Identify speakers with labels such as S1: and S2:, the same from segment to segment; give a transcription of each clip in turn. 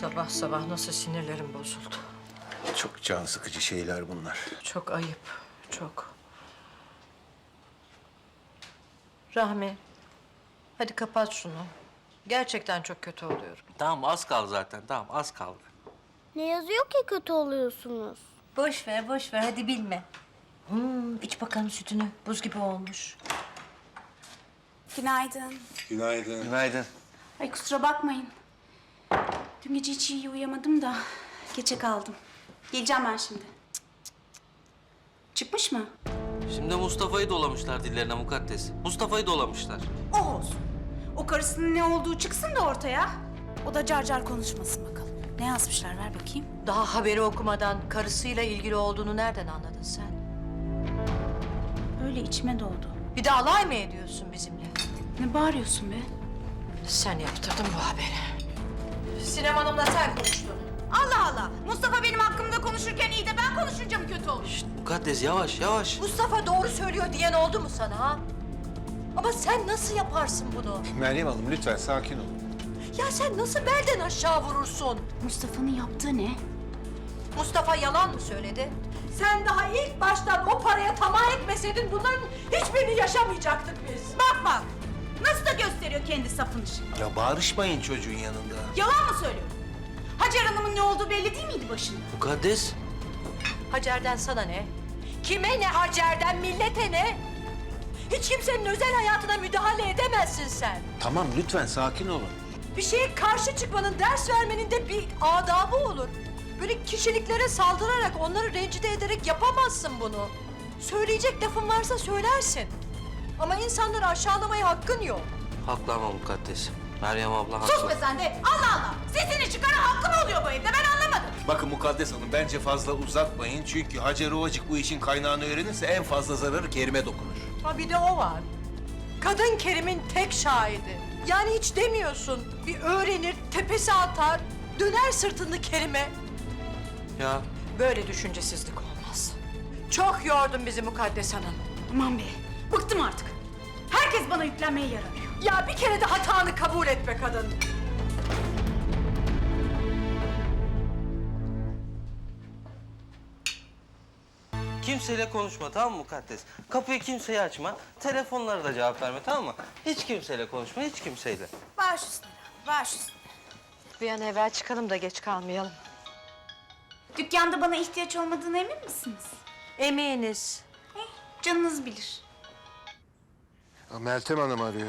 S1: Sabah sabah nasıl sinirlerim bozuldu.
S2: Çok can sıkıcı şeyler bunlar.
S1: Çok ayıp, çok. Rahmi, hadi kapat şunu. Gerçekten çok kötü oluyorum.
S3: Tamam az kaldı zaten. Tamam az kaldı.
S4: Ne yazıyor ki kötü oluyorsunuz?
S1: Boş ver, boş ver. Hadi bilme. İç bakalım sütünü. Buz gibi olmuş.
S5: Günaydın.
S2: Günaydın.
S3: Günaydın.
S5: Ay kusura bakmayın. Dün gece hiç iyi uyuyamadım da geçe kaldım. Geleceğim ben şimdi. Çıkmış mı?
S3: Şimdi Mustafa'yı dolamışlar dillerine mukaddes. Mustafa'yı dolamışlar.
S5: O olsun. O karısının ne olduğu çıksın da ortaya. O da car car konuşmasın bakalım. Ne yazmışlar ver bakayım.
S1: Daha haberi okumadan karısıyla ilgili olduğunu nereden anladın sen?
S5: Öyle içime doldu.
S1: Bir de alay mı ediyorsun bizimle?
S5: Ne bağırıyorsun be?
S1: Sen yaptırdın bu haberi. Sinem Hanım'la sen konuştun.
S5: Allah Allah! Mustafa benim hakkımda konuşurken iyi de ben konuşunca mı kötü olur?
S3: Mukaddes yavaş yavaş.
S1: Mustafa doğru söylüyor diyen oldu mu sana ha? Ama sen nasıl yaparsın bunu?
S2: Meryem Hanım lütfen sakin olun.
S1: Ya sen nasıl belden aşağı vurursun?
S5: Mustafa'nın yaptığı ne?
S1: Mustafa yalan mı söyledi? Sen daha ilk baştan o paraya tamah etmeseydin bunların hiçbirini yaşamayacaktık biz.
S5: Bak bak! Nasıl da gösteriyor kendi sapını şimdi.
S2: Ya bağırışmayın çocuğun yanında.
S5: Yalan mı söylüyor? Hacer Hanım'ın ne olduğu belli değil miydi başında?
S3: Mukaddes.
S1: Hacer'den sana ne? Kime ne Hacer'den, millete ne? Hiç kimsenin özel hayatına müdahale edemezsin sen.
S2: Tamam lütfen sakin olun.
S1: Bir şeye karşı çıkmanın, ders vermenin de bir adabı olur. Böyle kişiliklere saldırarak, onları rencide ederek yapamazsın bunu. Söyleyecek lafın varsa söylersin. Ama insanları aşağılamaya hakkın yok.
S3: Haklı ama mukaddes. Meryem abla haklı.
S5: Sus be sen de! Allah Allah! Sesini çıkaran hakkı mı oluyor bu evde? Ben anlamadım.
S2: Bakın Mukaddes Hanım bence fazla uzatmayın. Çünkü Hacer Ovacık bu işin kaynağını öğrenirse en fazla zararı Kerim'e dokunur.
S1: Ha bir de o var. Kadın Kerim'in tek şahidi. Yani hiç demiyorsun. Bir öğrenir, tepesi atar, döner sırtını Kerim'e.
S3: Ya
S1: Böyle düşüncesizlik olmaz. Çok yordun bizi Mukaddes Hanım.
S5: Aman be! Bıktım artık. Herkes bana yüklenmeye yer arıyor.
S1: Ya bir kere de hatanı kabul et be kadın.
S3: kimseyle konuşma tamam mı mukaddes? Kapıyı kimseye açma. Telefonlara da cevap verme tamam mı? Hiç kimseyle konuşma hiç kimseyle.
S5: Baş üstüne, baş üstüne.
S1: Bir an evvel çıkalım da geç kalmayalım.
S5: Dükkanda bana ihtiyaç olmadığına emin misiniz?
S1: Eminiz.
S5: Canınız bilir.
S2: Meltem Hanım arıyor.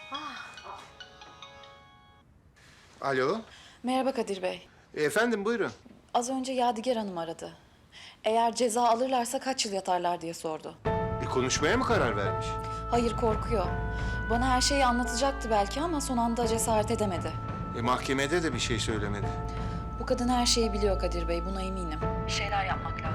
S2: Alo.
S6: Merhaba Kadir Bey.
S2: Efendim buyurun.
S6: Az önce Yadigar Hanım aradı. Eğer ceza alırlarsa kaç yıl yatarlar diye sordu.
S2: Bir konuşmaya mı karar vermiş?
S6: Hayır, korkuyor. Bana her şeyi anlatacaktı belki ama son anda cesaret edemedi.
S2: Mahkemede de bir şey söylemedi.
S6: Bu kadın her şeyi biliyor Kadir Bey, buna eminim. Bir şeyler yapmak lazım.